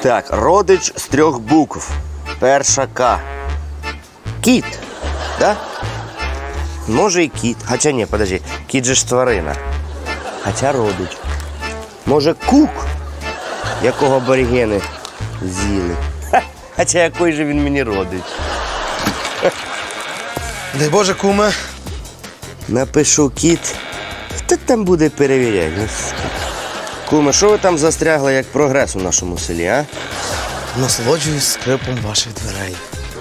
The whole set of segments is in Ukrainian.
Так, родич з 3 букв. Перша К. Кіт, да? Може і кіт. Хоча ні, подожди, кіт же ж тварина. Хоча родич. Може кук, якого аборигени з'їли. Хоча який же він мені родич. Дай Боже, куме. Напишу кіт. Хто там буде перевіряти? Куме, що ви там застрягли, як прогрес у нашому селі, а? Насолоджуюсь скрипом ваших дверей.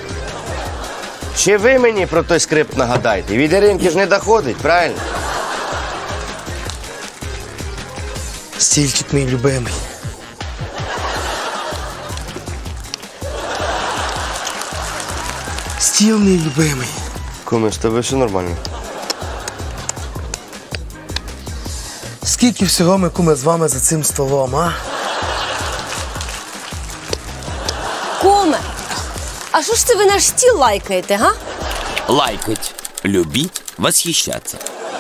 Чи ви мені про той скрипт нагадайте? Від Іринки ж не доходить, правильно? Стільчик мій любимий. Стіл мій любимий. Куме, з тобою все нормально. Скільки всього ми, куме, з вами за цим столом, а? Куме, а що ж це ви наш стіл лайкаєте, га? Лайкать, любить, восхищаться.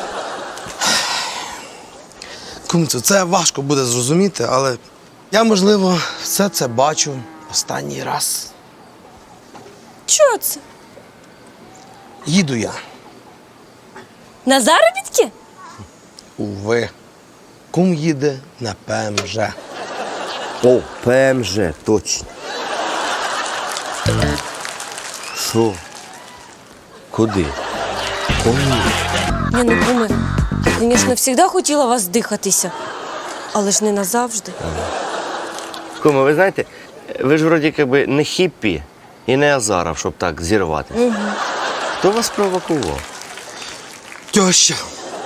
Кумцю, це важко буде зрозуміти, але я, можливо, все це бачу останній раз. Чого це? Їду я. На заробітки? Уви. Кум їде на ПМЖ. О, ПМЖ, точно. Що? Куди? Ні, ну, куме, я, звісно, завжди хотіла вас дихатися, але ж не назавжди. Куме, ви знаєте, ви ж вроді якби не хіппі і не Азаров, щоб так зірвати. Угу. Хто вас провокував? Тьоща.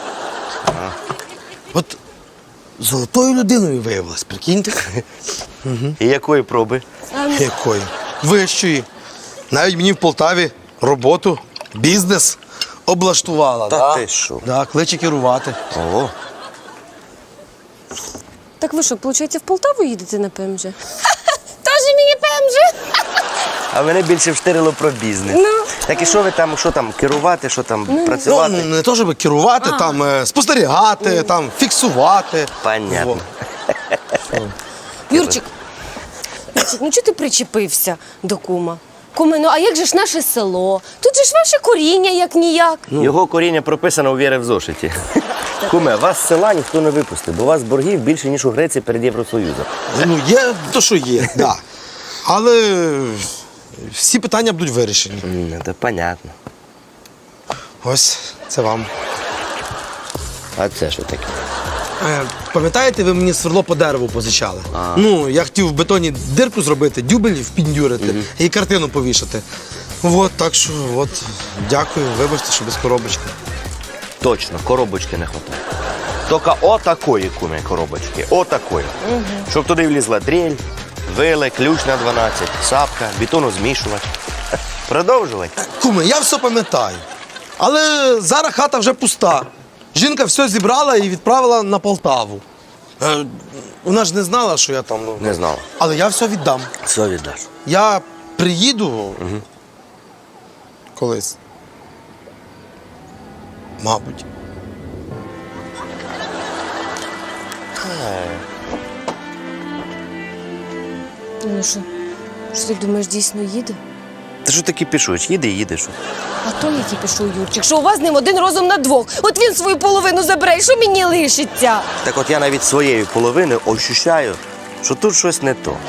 От золотою людиною виявилась, прикиньте. І якої проби? Якої? Вищої. Навіть мені в Полтаві роботу, бізнес облаштувала. Та да? ти що? Да, кличе керувати. Ого. Так ви що, виходить, в Полтаву їдете на ПМЖ? Тоже мені ПМЖ? А мене більше вштирило про бізнес. Ну. Так і що ви там, що там, керувати, що там, Ну, працювати? не то, щоб керувати, там, спостерігати, там, фіксувати. Понятно. Юрчик, ну чого ти причепився до кума? Куме, ну а як же ж наше село? Тут же ж ваше коріння, як-ніяк. Його коріння прописано у Віри в зошиті. Куме, вас з села ніхто не випустив, бо у вас боргів більше, ніж у Греції перед Євросоюзом. Ну, є то, що є, да. Але всі питання будуть вирішені. Це понятно. Ось, це вам. А це що таке? Пам'ятаєте, ви мені сверло по дереву позичали? Ну, я хотів в бетоні дирку зробити, дюбель впіндюрити і картину повішати. От, так що, от, дякую, вибачте, що без коробочки. Точно, коробочки не вистачає. Тільки отакої, куме, коробочки. Отакої. Щоб туди влізла дрель, вили, ключ на 12, сапка, бетонозмішувач. Продовжувати. Куме, я все пам'ятаю. Але зараз хата вже пуста. Жінка все зібрала і відправила на Полтаву. Вона ж не знала, що я там. Не знала. Але я все віддам. Все віддаш. Я приїду колись. Мабуть. Ну що ти думаєш, дійсно їде? Ти що таки пішуєш? Їди і їдеш. А то який пішов Юрчик, що у вас з ним один розум на двох. От він свою половину забере, і що мені лишиться? Так от я навіть своєю половиною ощущаю, що тут щось не то.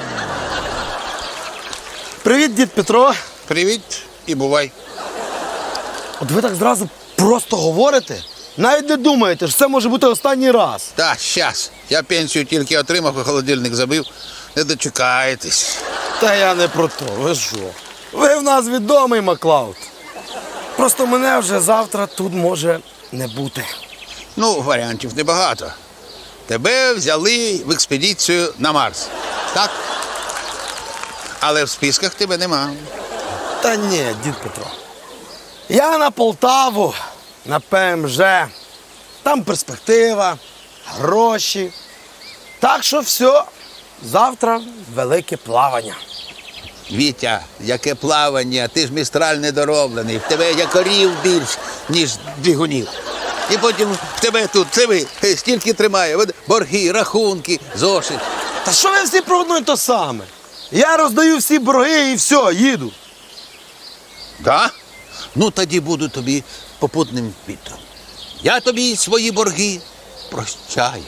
Привіт, дід Петро. Привіт і бувай. От ви так зразу просто говорите, навіть не думаєте, що це може бути останній раз. Та, щас. Я пенсію тільки отримав, і холодильник забив. Не дочекаєтесь. Та я не про то, ви що? Ви в нас відомий Маклауд. Просто мене вже завтра тут може не бути. Ну, варіантів небагато. Тебе взяли в експедицію на Марс. Так? Але в списках тебе нема. Та ні, дід Петро. Я на Полтаву, на ПМЖ. Там перспектива, гроші. Так що все, завтра велике плавання. Вітя, яке плавання, ти ж містраль недороблений. В тебе якорів більш, ніж двигунів. І потім в тебе тут, це ви, стільки тримає. Борги, рахунки, зошит. Та що ви всі про одно й то саме? Я роздаю всі борги і все, їду. Да? Ну тоді буду тобі попутним вітром. Я тобі свої борги прощаю.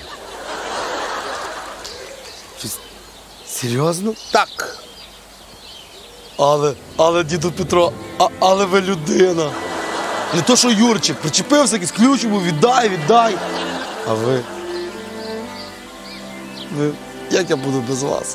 Серйозно? Так. Але, діду Петро, але ви людина. Не то, що Юрчик, причепився, якийсь ключ був, віддай. А ви. Як я буду без вас?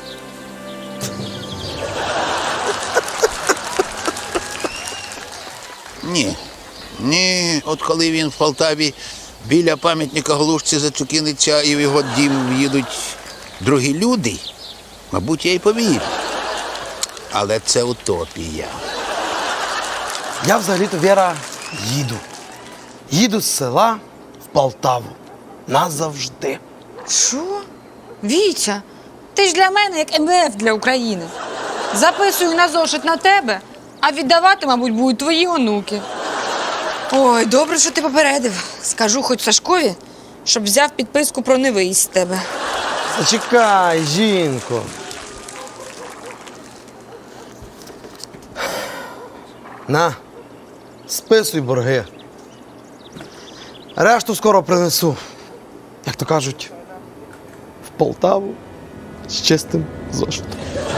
Ні, от коли він в Полтаві біля пам'ятника Глушці зачукіниться і в його дім в'їдуть другі люди, мабуть, я й повірю. Але це утопія. Я взагалі-то, Віра, їду. Їду з села в Полтаву. Назавжди. Що? Вітя, ти ж для мене як МВФ для України. Записую на зошит на тебе, а віддавати, мабуть, будуть твої онуки. Ой, добре, що ти попередив. Скажу хоч Сашкові, щоб взяв підписку про невиїзд з тебе. Зачекай, жінко. На, списуй борги. Решту скоро принесу. Як то кажуть, в Полтаву з чистим зошитом.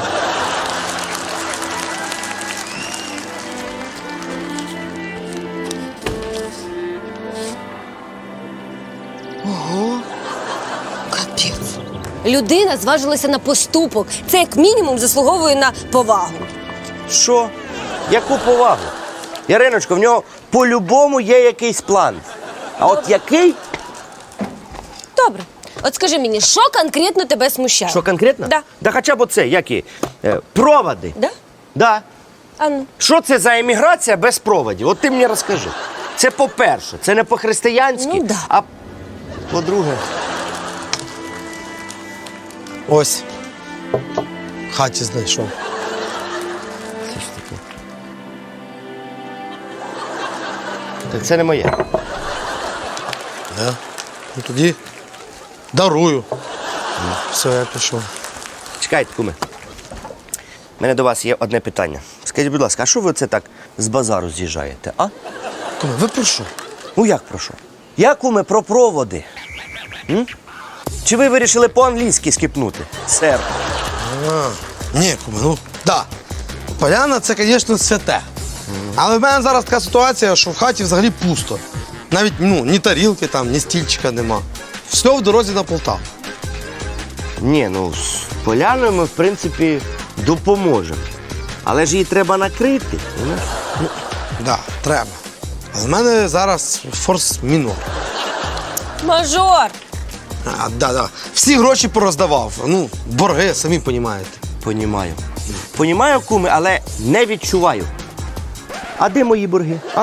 Капець. Людина зважилася на поступок. Це як мінімум заслуговує на повагу. Що? Яку повагу? Яриночко, в нього по-любому є якийсь план. А от який? Добре. От скажи мені, що конкретно тебе смущає? Що конкретно? Да. Да хоча б оце, які? Проводи. Да? Да. А ну. Що це за еміграція без проводів? От ти мені розкажи. Це по-перше, це не по-християнськи, Ну, да. а по-друге. Ось. В хаті знайшов. Що ж таке? Так це не моє. Да. Ну тоді дарую. Все, я пішов. Чекайте, куме. У мене до вас є одне питання. Скажіть, будь ласка, а що ви це так з базару з'їжджаєте, а? Куме, ви про що? Ну як про що? Я, куме, про проводи. М? Чи ви вирішили по-англійськи скипнути, сер? Ні, куме, ну, да. Поляна це, звісно, святе. Але в мене зараз така ситуація, що в хаті взагалі пусто. Навіть ні тарілки там, ні стільчика нема. Все в дорозі на Полтаву. Ні, ну, з поляною ми, в принципі, допоможемо. Але ж її треба накрити. Знаєш? Да, треба. Але в мене зараз форс-мінор. Мажор! Да. Всі гроші пороздавав. Ну, борги, самі розумієте. Понімаю. Понімаю, куме, але не відчуваю. А де мої борги, а?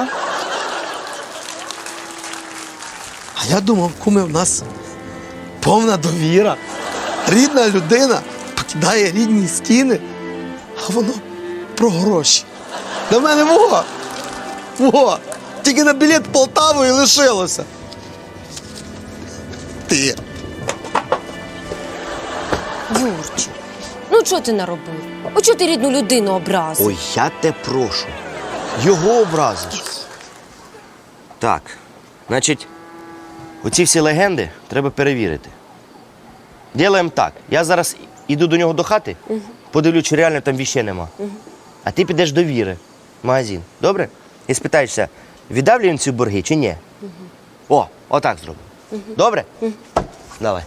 А я думав, куме, в нас повна довіра. Рідна людина покидає рідні стіни, а воно про гроші. До мене во! Тільки на білет в Полтаву і лишилося. Ти. Юрчик, ну чого ти наробив? О, чого ти рідну людину образив? Ой, я те прошу. Його образиш. Так, значить, оці всі легенди треба перевірити. Ділаємо так. Я зараз іду до нього до хати, подивлю, чи реально там віщей нема. А ти підеш до Віри в магазин. Добре? І спитаєшся, віддав ли він ці борги чи ні? О, отак зроби. Добре? Давай.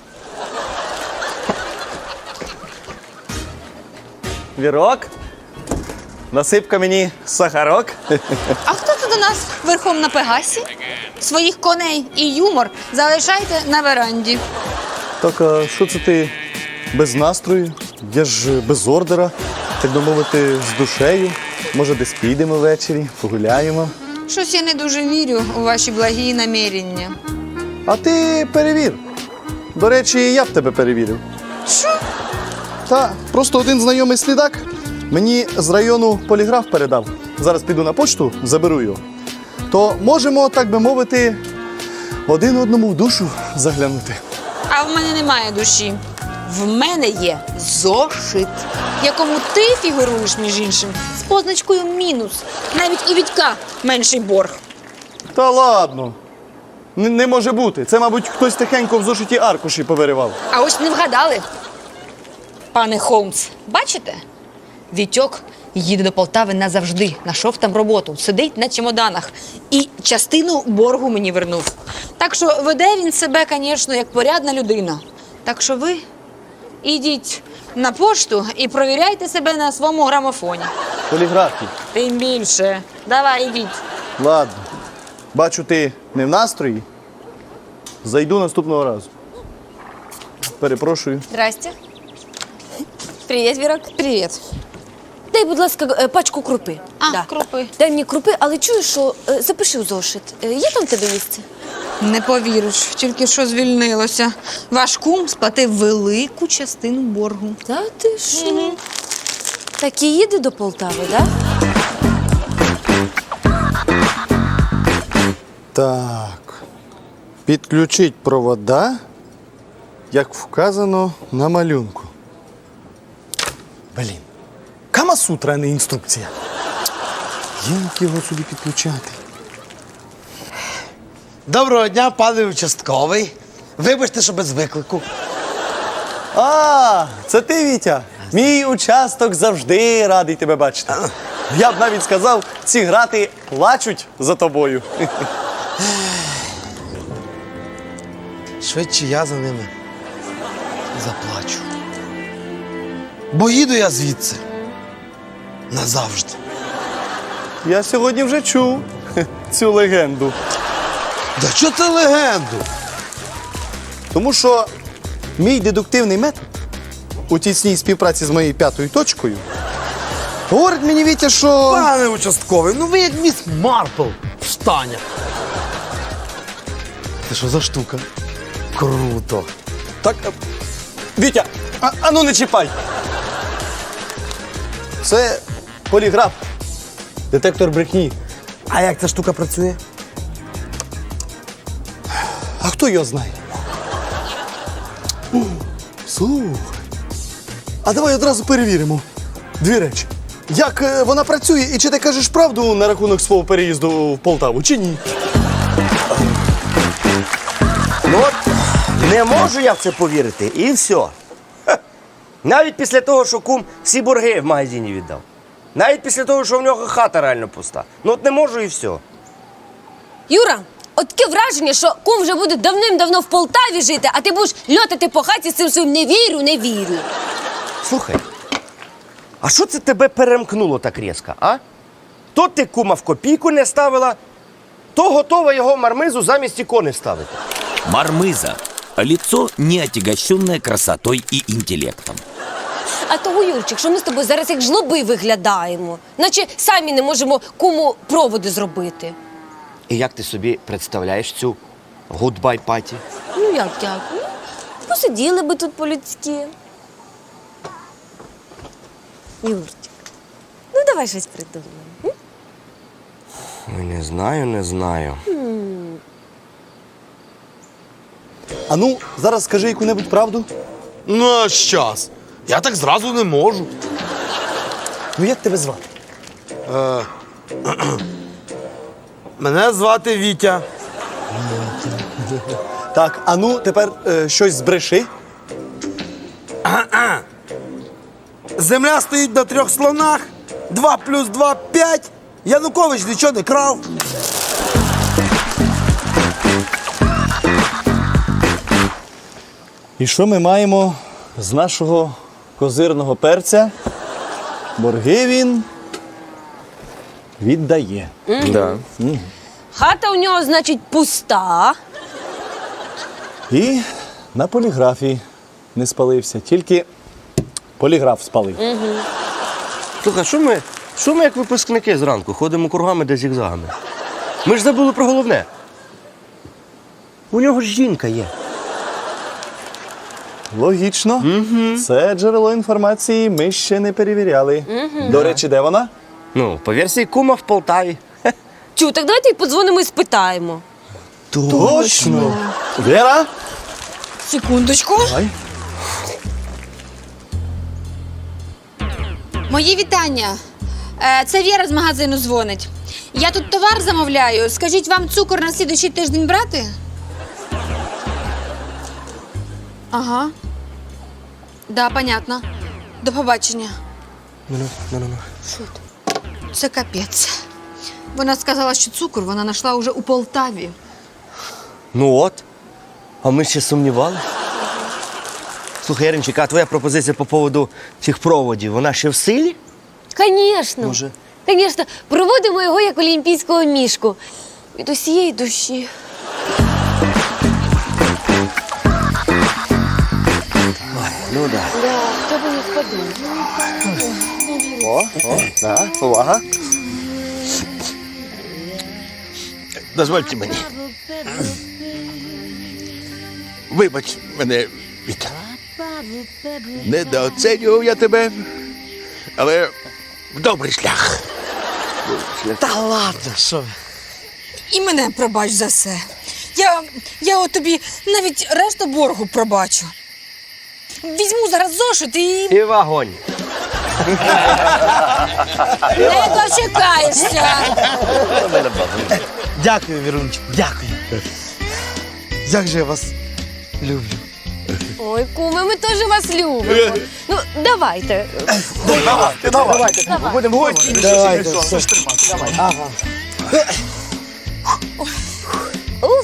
Вірок, насипка мені сахарок. А хто це до нас верхом на Пегасі? Своїх коней і юмор залишайте на веранді. Так, а що це ти без настрою? Я ж без ордера, так би мовити, з душею. Може, десь підемо ввечері, погуляємо. Щось я не дуже вірю у ваші благі намірення. А ти перевір. До речі, я б тебе перевірив. Що? Та, просто один знайомий слідак мені з району поліграф передав. Зараз піду на почту, заберу його. То можемо, так би мовити, один одному в душу заглянути. А в мене немає душі. В мене є зошит. в якому ти фігуруєш, між іншим, з позначкою мінус. Навіть у Вітька менший борг. Та ладно. Не може бути. Це, мабуть, хтось тихенько в зошиті аркуші повиривав. А ось не вгадали. Пане Холмс, бачите? Вітьок їде до Полтави назавжди. Нашов там роботу, сидить на чемоданах. І частину боргу мені вернув. Так що веде він себе, звісно, як порядна людина. Так що ви ідіть на пошту і провіряйте себе на своєму грамофоні. Поліграфі. Тим більше. Давай, ідіть. Ладно. Бачу, ти не в настрої. Зайду наступного разу. Перепрошую. Здрасте. Привіт, Вірок. Привіт. Дай, будь ласка, пачку крупи. Крупи. Дай мені крупи, але чуєш, що запиши в зошит. Є там в тебе місце? Не повіриш, тільки що звільнилося. Ваш кум сплатив велику частину боргу. Та ти що? Так і їде до Полтави, так? Так. Підключить провода, як вказано на малюнку. Блін. Камасутра, а не інструкція. Як його сюди підключати? Доброго дня, пане участковий. Вибачте, що без виклику. А, це ти, Вітя? Мій участок завжди радий тебе бачити. Я б навіть сказав, ці грати плачуть за тобою. Швидше я за ними заплачу. Бо їду я звідси. Назавжди. Я сьогодні вже чув цю легенду. Да що ти легенду? Тому що мій дедуктивний метод у тісній співпраці з моєю п'ятою точкою говорить мені, Вітя, що... Пане участковий, ну ви як міс Марпл в штанях. Це що за штука? Круто. Так, Вітя, а ну не чіпай. Це поліграф. Детектор брехні. А як ця штука працює? А хто його знає? Слухай. А давай одразу перевіримо. Дві речі. Як вона працює і чи ти кажеш правду на рахунок свого переїзду в Полтаву, чи ні? Ну от, не можу я в це повірити, і все. Ха. Навіть після того, що кум всі борги в магазині віддав. Навіть після того, що в нього хата реально пуста. Ну от не можу і все. Юра, от таке враження, що кум вже буде давним-давно в Полтаві жити, а ти будеш льотати по хаті з цим своїм «не вірю, не вірю». Слухай, а що це тебе перемкнуло так різко, а? То ти кума в копійку не ставила, то готова його мармизу замість ікони ставити. Мармыза. Лицо, не отягощенное красотой и интеллектом. А того, Юрчик, що ми з тобою зараз як жлоби виглядаємо. Наче самі не можемо куму проводи зробити. І як ти собі представляєш цю гудбай паті? Ну як? Ну, посиділи би тут по-людськи. Юрчик, ну давай щось придумаємо. Ой, не знаю. А ну, зараз скажи яку-небудь правду. Ну, а щас. Я так зразу не можу. Ну як тебе звати? Мене звати Вітя. Так, а ну тепер щось збреши. Земля стоїть на 3 слонах. 2 плюс 2 – 5. Янукович нічого не крав. І що ми маємо з нашого козирного перця? Борги він віддає. Да. Хата у нього, значить, пуста. І на поліграфі не спалився, тільки поліграф спалив. Слухай, що ми як випускники зранку ходимо кругами да зігзагами? Ми ж забули про головне. У нього ж жінка є. Логічно. Це джерело інформації ми ще не перевіряли. До речі, де вона? Ну, по версії кума в Полтаві. Чу, так давайте й подзвонимо і спитаємо. Точно. Вера? Секундочку. Ай. Мої вітання. Це Віра з магазину дзвонить. Я тут товар замовляю. Скажіть, вам цукор на слідуючий тиждень брати? Ага. Да, понятно. До побачення. Це капець. Вона сказала, що цукор вона знайшла уже у Полтаві. Ну от. А ми ще сумнівали. Слухай, Яринчик, а твоя пропозиція по поводу цих проводів, вона ще в силі? Звісно. Може? Звісно, проводимо його як олімпійського мішку. Від усієї душі. Ну да. Да, хто би не подумав. Да, увага. Дозвольте мені. Вибач мене, Віта. Недооцінював я тебе, але в добрий шлях. Та ладно, що ви. І мене пробач за все. Я от тобі навіть решту боргу пробачу. Візьму зараз зошит і І вогонь. не дочекаєшся. Дякую, Вірунчик, дякую. Як же я вас люблю. Ой, куми, ми теж вас любимо. Ну, давайте. Давайте, все. Уф.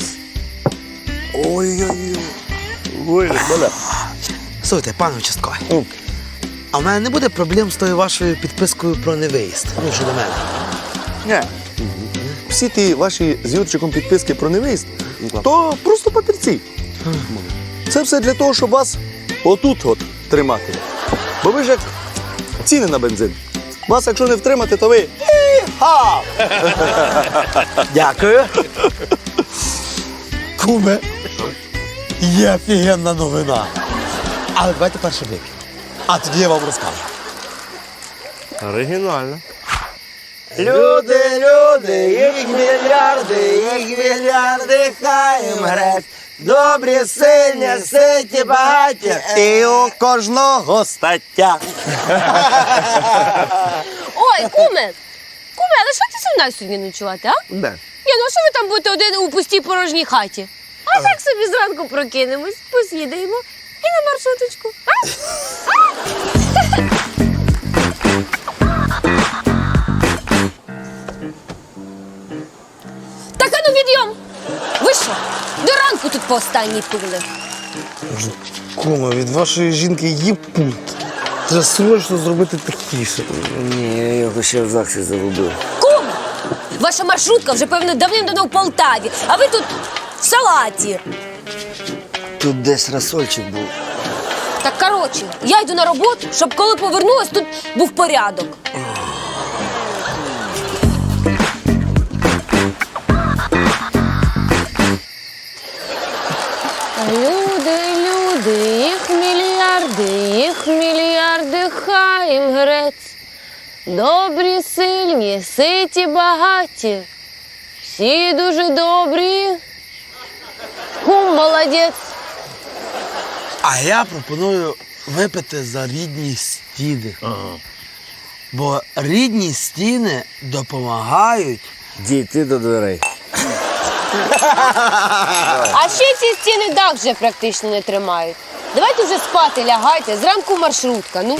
Слухайте, пане участковий, а в мене не буде проблем з тою вашою підпискою про невиїзд? Ну, щодо мене. Ні. Всі ті ваші з Юрчиком підписки про невиїзд, то просто папірці. Це все для того, щоб вас отут от тримати. Бо ви ж як ціни на бензин. Вас, якщо не втримати, то ви і-ха! Дякую. Куме, є офігенна новина. Але давайте перше вип'ємо. А тоді я вам розкажу. Оригінально. Люди, їх мільярди, хай їм грець. Добрі, сильні, ситі, багаті. І у кожного стаття. Ой, куме. Куме, але що ти зі мною сьогодні ночувати, а? Де? Ні, ну а що ви там будете один у пустій порожній хаті? А так собі зранку прокинемось, посідаємо і на маршруточку. А? Так, а ну відйом! Ви що? До ранку тут по останній пили. Куме, від вашої жінки є пульт. Треба срочно зробити тихіше. Ні, я його ще в ЗАГСі загубив. Кум! Ваша маршрутка вже, певно, давним-давно в Полтаві, а ви тут в салаті. Тут десь розсольчик був. Так, коротше, я йду на роботу, щоб коли повернулась, тут був порядок. Люди, їх мільярди, хай їм грець. Добрі, сильні, ситі, багаті. Всі дуже добрі. Кум молодець. А я пропоную випити за рідні стіни. Бо рідні стіни допомагають. Дійти до дверей. А ще ці стіни дах вже практично не тримають. Давайте вже спати лягайте, зранку маршрутка, ну.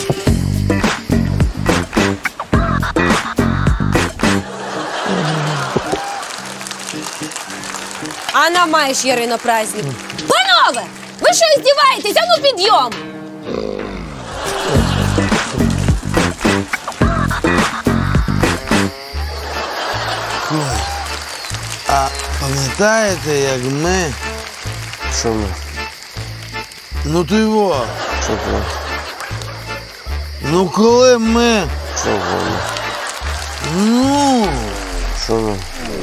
А нам маєш, Ярино, праздник. Панове, ви що здіваєтесь? А ну підйом! А пам'ятаєте, як ми? Що ми? Ну ти його. Що ми? Ну коли ми. Що ми? Ну. Що ми?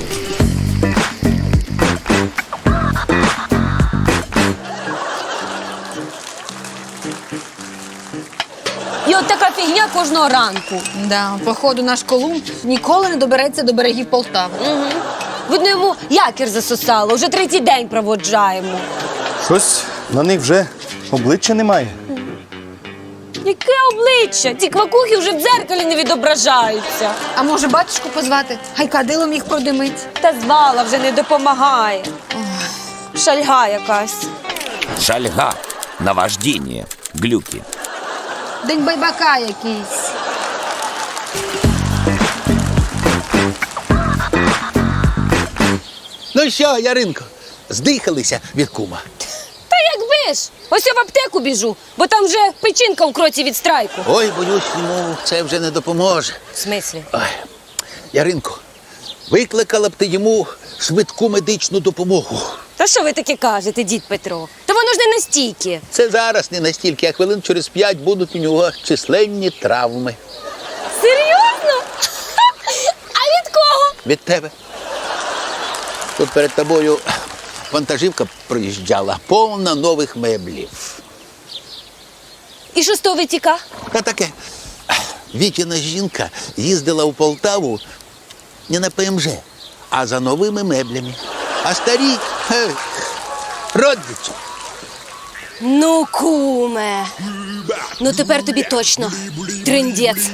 І от така фігня кожного ранку. Да, походу, наш Колумб ніколи не добереться до берегів Полтави. Угу. Видно, йому якір засосало, вже третій день проводжаємо. Щось на них вже обличчя немає. Яке обличчя? Ці квакухи вже в дзеркалі не відображаються. А може батюшку позвати? Хай кадилом їх продимить. Та звала вже не допомагає. Шальга якась. Шальга, наваждение, глюки. День байбака якийсь. Ну що, Яринко, здихалися від кума? Та якби ж! Ось я в аптеку біжу, бо там вже печінка в кроці від страйку. Ой, боюсь, йому це вже не допоможе. В смислі? Ой, Яринко, викликала б ти йому швидку медичну допомогу. Та що ви таке кажете, дід Петро? Та воно ж не настільки. Це зараз не настільки, а хвилин через 5 будуть у нього численні травми. Серйозно? А від кого? Від тебе. Тут перед тобою вантажівка проїжджала, повна нових меблів. І що з того витіка? Та таке. Вітіна жінка їздила у Полтаву не на ПМЖ, а за новими меблями. А старі родичі. Ну, куме. Ну тепер тобі точно триндець.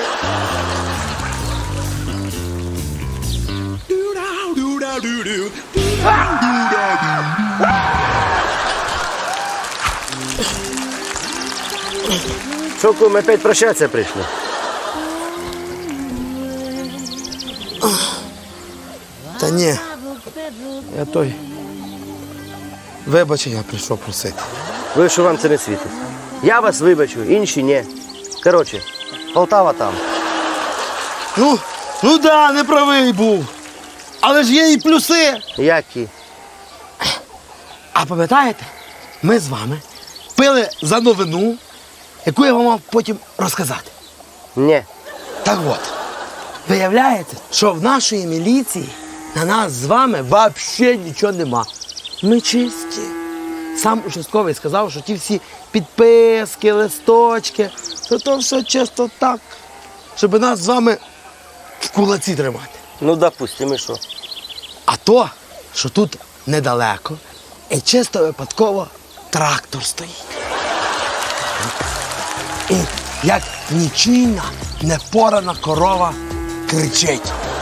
Що, кум, опять прощатися прийшли? Та ні. Я той. Вибачення прийшов просити. Ви що вам це не світить? Я вас вибачу, інші ні. Коротше, Полтава там. Ну да, не правий був. Але ж є і плюси. Які? А пам'ятаєте, ми з вами пили за новину, яку я вам мав потім розказати. Ні. Так от, виявляється, що в нашої міліції на нас з вами взагалі нічого нема. Ми чисті. Сам участковий сказав, що ті всі підписки, листочки, що то все чисто так, щоб нас з вами в кулаці тримати. Ну, допустим, і що? А то, що тут недалеко, і чисто випадково трактор стоїть. І як нічийна, непорана корова кричить.